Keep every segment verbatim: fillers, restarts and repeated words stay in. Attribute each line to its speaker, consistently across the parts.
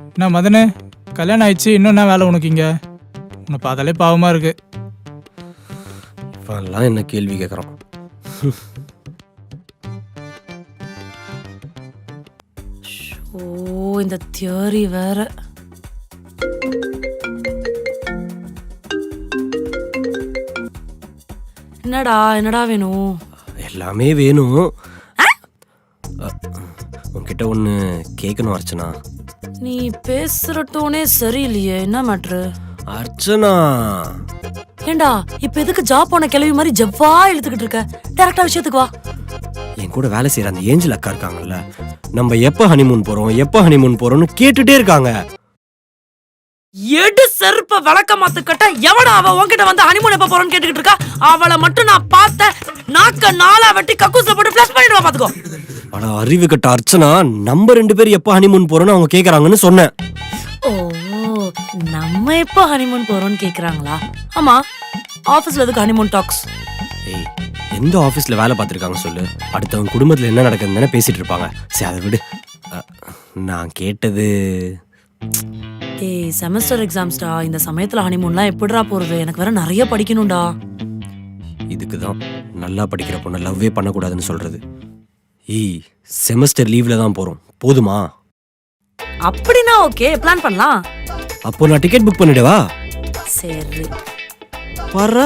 Speaker 1: என்ன மதனு, கல்யாணம் ஆயிடுச்சு, இன்னும் என்ன வேலை உனக்கு இங்க? உன்னை பார்த்தாலே பாவமா இருக்கு.
Speaker 2: இப்பெல்லாம் என்ன கேள்வி கேட்குறான்?
Speaker 3: ஓ, இந்த தியரி வேற. என்னடா என்னடா வேணும்?
Speaker 2: எல்லாமே வேணும். உன்கிட்ட ஒன்று கேட்கணும் அர்ச்சனா.
Speaker 3: நீ பேசுற டோனே சரியில்லையே, என்ன மேட்ரு?
Speaker 2: அர்ச்சனா,
Speaker 3: ஏண்டா இப்ப எதுக்கு ஜாப் போன கிளவி மாதிரி ஜவ்வா இழுத்துக்கிட்டு இருக்க? டைரக்டா விஷயத்துக்கு வா.
Speaker 2: என் கூட வேலை செய்யற அந்த ஏஞ்சல் அக்கா இருக்காங்கல்ல, நம்ம எப்ப ஹனிமூன் போறோம் எப்ப ஹனிமூன் போறோம்னு கேட்டுட்டே இருக்காங்க.
Speaker 3: எடு செருப்ப விளக்க மாத்து கட்ட. எவடா அவ உன்கிட்ட வந்து ஹனிமூன் எப்ப போறோம்னு கேட்டுக்கிட்டு இருக்கா? அவளை மட்டும் நான் பார்த்த நாக்க நாளா வெட்டி கக்கூஸ்ல போட்டு ஃபிளஷ் பண்ணிடுவா பாத்துக்கோ.
Speaker 2: ஆனா அறிவு கட்ட அர்ச்சனா, நம்ம ரெண்டு பேரும் எப்ப ஹனிமூன் போறோம்னு அவங்க கேக்குறாங்கன்னு சொன்னேன்.
Speaker 3: ஓ, நம்ம எப்ப ஹனிமூன் போறோம்னு கேக்குறாங்களா? ஆமா, ஆபீஸ்ல எதுக்கு ஹனிமூன் டாக்ஸ்?
Speaker 2: ஏய், எந்த ஆபீஸ்ல வேலை பார்த்திருக்காங்க சொல்லு? அடுத்தவங்க குடும்பத்துல என்ன நடக்குதுன்னு பேசிட்டு இருப்பாங்க. சரி, அதை விடு. நான் கேட்டது,
Speaker 3: ஏய் செமஸ்டர் எக்ஸாம்ஸ்டா. இந்த சமயத்துல ஹனிமூன்லாம் எப்படிடா போறது? எனக்கு வேற நிறைய படிக்கணும்டா.
Speaker 2: இதுக்குதான் நல்லா படிக்கிற பொண்ணு லவ்வே பண்ணக்கூடாதுன்னு சொல்றது. ஏய், செமஸ்டர் லீவ்ல தான் போறோம், போதுமா?
Speaker 3: அப்படின்னா ஓகே, பிளான் பண்ணலாம்.
Speaker 2: அப்போ நான் டிக்கெட் புக் பண்ணிடவா?
Speaker 3: சரி,
Speaker 2: பாரா.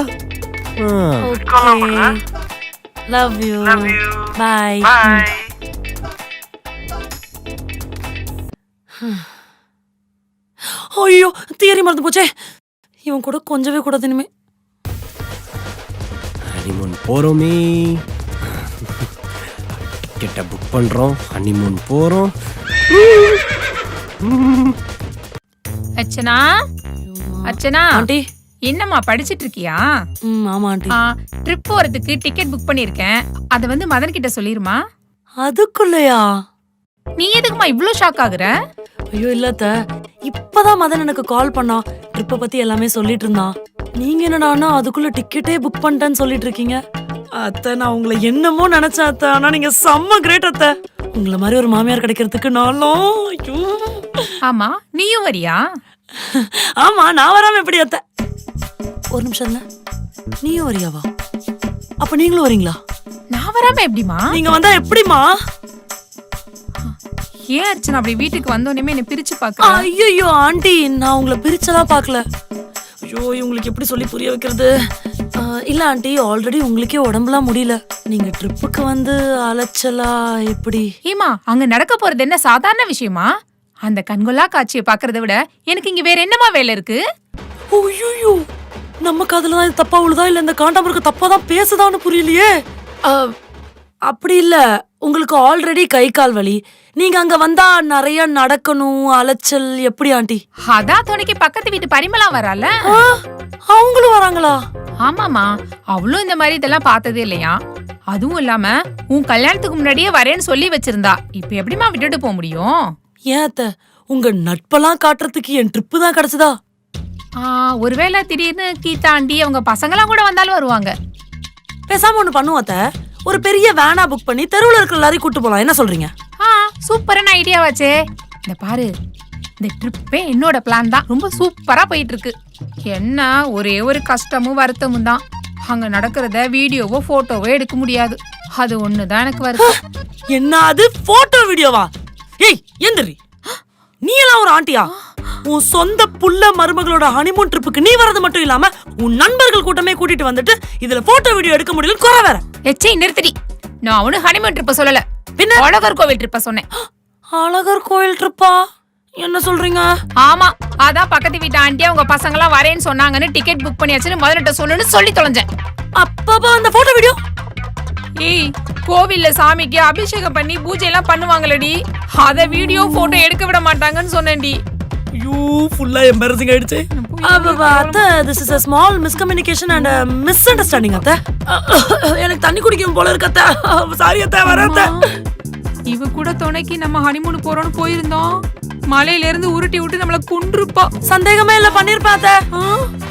Speaker 3: Okay, love you, bye. ஐயோ, தியரி மறந்து போச்சே. இவன் கூட கொஞ்சவே கூடாது இனிமே.
Speaker 2: ஹனிமூன் போறோமே, டிக்கெட்டை புக் பண்றோம், ஹனிமூன் போறோம்.
Speaker 4: அர்ச்சனா, அர்ச்சனா
Speaker 3: ஆண்டி.
Speaker 4: என்னம்மா படிச்சிட்டு இருக்கியா?
Speaker 3: ம், ஆமா ஆண்டி.
Speaker 4: ட்ரிப் போறதுக்கு டிக்கெட் புக் பண்ணிருக்கேன். அத வந்து மதன் கிட்ட சொல்லிருமா.
Speaker 3: அதுக்குள்ளயா?
Speaker 4: நீ எதுக்குமா இவ்ளோ ஷாக் ஆகுற?
Speaker 3: ஐயோ இல்லத்த, இப்பதான் மதன் எனக்கு கால் பண்ணா. ட்ரிப்ப பத்தி எல்லாமே சொல்லிட்டு இருந்தான். நீங்க என்னடானா அதுக்குள்ள டிக்கெட்டே புக் பண்ணிட்டேன்னு சொல்லிட்டு இருக்கீங்க. அத்தை, நான் உங்களை என்னமோ நினைச்சேன் அத்தை. ஆனா நீங்க செம்ம கிரேட் அத்தை. உங்களை மாதிரி ஒரு மாமியார் கிடைக்கிறதுக்கு நானும். ஐயோ.
Speaker 4: ஆமா, நீயும் வரியா?
Speaker 3: ஆமா, நான் வராம எப்படி அத்தை? ஒரு நிமிஷம் இல்ல, நீயும் வரியாவா? அப்ப நீங்களும் வரீங்களா?
Speaker 4: நான் வராம எப்படிமா?
Speaker 3: நீங்க வந்தா எப்படிமா?
Speaker 4: ஏன் அர்ச்சனா அப்படி வீட்டுக்கு வந்தோடனே என்ன பிரிச்சு பாக்க?
Speaker 3: ஐயோ ஆண்டி, நான் உங்களை பிரிச்செல்லாம் பாக்கல. ஐயோ, இவங்களுக்கு எப்படி சொல்லி புரிய வைக்கிறது? இல்ல ஆண்டி, ஆல்ரெடி உங்களுக்கே உடம்புலாம் முடியல. நீங்க ட்ரிப்புக்கு வந்து அலைச்சலா எப்படி?
Speaker 4: ஏமா, அங்க நடக்க போறது என்ன சாதாரண விஷயமா? அந்த கண்கொள்ளா காட்சியை பாக்குறத விட எனக்கு இங்க வேற என்னமா வேலை இருக்கு?
Speaker 3: ஐயோ, நம்ம காதுல தான் தப்பா உழுதா இல்ல இந்த காண்டாமிருக்க தப்பா தான் பேசுதான்னு புரியலையே. அப்படி இல்ல, உங்களுக்கு ஆல்ரெடி கை கால் வலி. நீங்க அங்க வந்தா நிறைய நடக்கணும், அலைச்சல் எப்படி ஆண்டி?
Speaker 4: அதான் துணைக்கு பக்கத்து வீட்டு பரிமளா வரால,
Speaker 3: அவங்களும் வராங்களா?
Speaker 4: ஆமாமா, அவளும் இந்த மாதிரி இதெல்லாம் பார்த்ததே இல்லையா. அதுவும் இல்லாம உன் கல்யாணத்துக்கு முன்னாடியே வரேன்னு சொல்லி வச்சிருந்தா. இப்ப எப்படிமா விட்டுட்டு போக முடியும்?
Speaker 3: ஏன் அத்தை, உங்க நட்பெல்லாம் காட்டுறதுக்கு என் ட்ரிப்பு தான் கிடைச்சதா?
Speaker 4: ஒருவேளை திடீர்னு கீதாண்டி அவங்க பசங்களாம் கூட வந்தாலும் வருவாங்க.
Speaker 3: பேசாம ஒண்ணு பண்ணுவோம் அத்தை, ஒரு பெரிய வேனா புக் பண்ணி தெருவுல இருக்கிற எல்லாரையும் கூட்டு போலாம். என்ன சொல்றீங்க?
Speaker 4: ஆ, சூப்பரான ஐடியாவாச்சே. இந்த பாரு, இந்த ட்ரிப்பே என்னோட பிளான் தான். ரொம்ப சூப்பரா போயிட்டு இருக்கு. என்ன ஒரே ஒரு கஷ்டமும் வருத்தமும் தான். அங்க நடக்கிறத வீடியோவோ போட்டோவோ எடுக்க முடியாது. அது ஒண்ணுதான் எனக்கு வருது.
Speaker 3: என்ன அது போட்டோ வீடியோவா? ஏய் எந்திரி, நீ எல்லாம் ஒரு ஆண்டியா? உன் சொந்த புள்ள மருமகளோட ஹனிமூன் ட்ரிப்புக்கு நீ வரது மட்டும் இல்லாம உன் நண்பர்கள் கூட்டமே கூட்டிட்டு வந்துட்டு இதுல போட்டோ வீடியோ எடுக்க முடியல குறை வேற.
Speaker 4: எச்சை நிறுத்தடி. நான் அவனு ஹனிமூன் ட்ரிப்ப சொல்லல, பின்ன அழகர் கோவில் ட்ரிப்ப சொன்னேன்.
Speaker 3: அழகர் கோவில் ட்ரிப்பா? என்ன சொல்றீங்க?
Speaker 4: ஆமா, அதான் பக்கத்து வீட்டு ஆண்டி அவங்க பசங்க எல்லாம் வரேன்னு சொன்னாங்கன்னு டிக்கெட் புக் பண்ணியாச்சுன்னு முதல்ல சொல்லுன்னு சொல்லி தொலைஞ்சேன்.
Speaker 3: அப்பப்பா அந்த போட்டோ வீடியோ?
Speaker 4: ஏய், கோவில்ல சாமிக்கு அபிஷேகம் பண்ணி பூஜை எல்லாம் பண்ணுவாங்களடி, அத வீடியோ போட்டோ எடுக்க விட மாட்டாங்கன்னு சொன்னேன்டி.
Speaker 3: ஐயோ, ஃபுல்லா எம்பாரசிங் ஆயிடுச்சு. அத்தை, this is a small miscommunication and a misunderstanding அத்தை. எனக்கு தண்ணி குடிக்கும் போல இருக்கு அத்தை. சாரி அத்தை, வரேன் அத்தை.
Speaker 4: இவ கூட துணைக்கு நம்ம ஹனிமூன் போறோம்னு போயிருந்தோம். மலையில இருந்து உருட்டி விட்டு நம்மள கொன்றுப்பா.
Speaker 3: சந்தேகமே இல்ல, பண்ணிருப்பா அத்தை.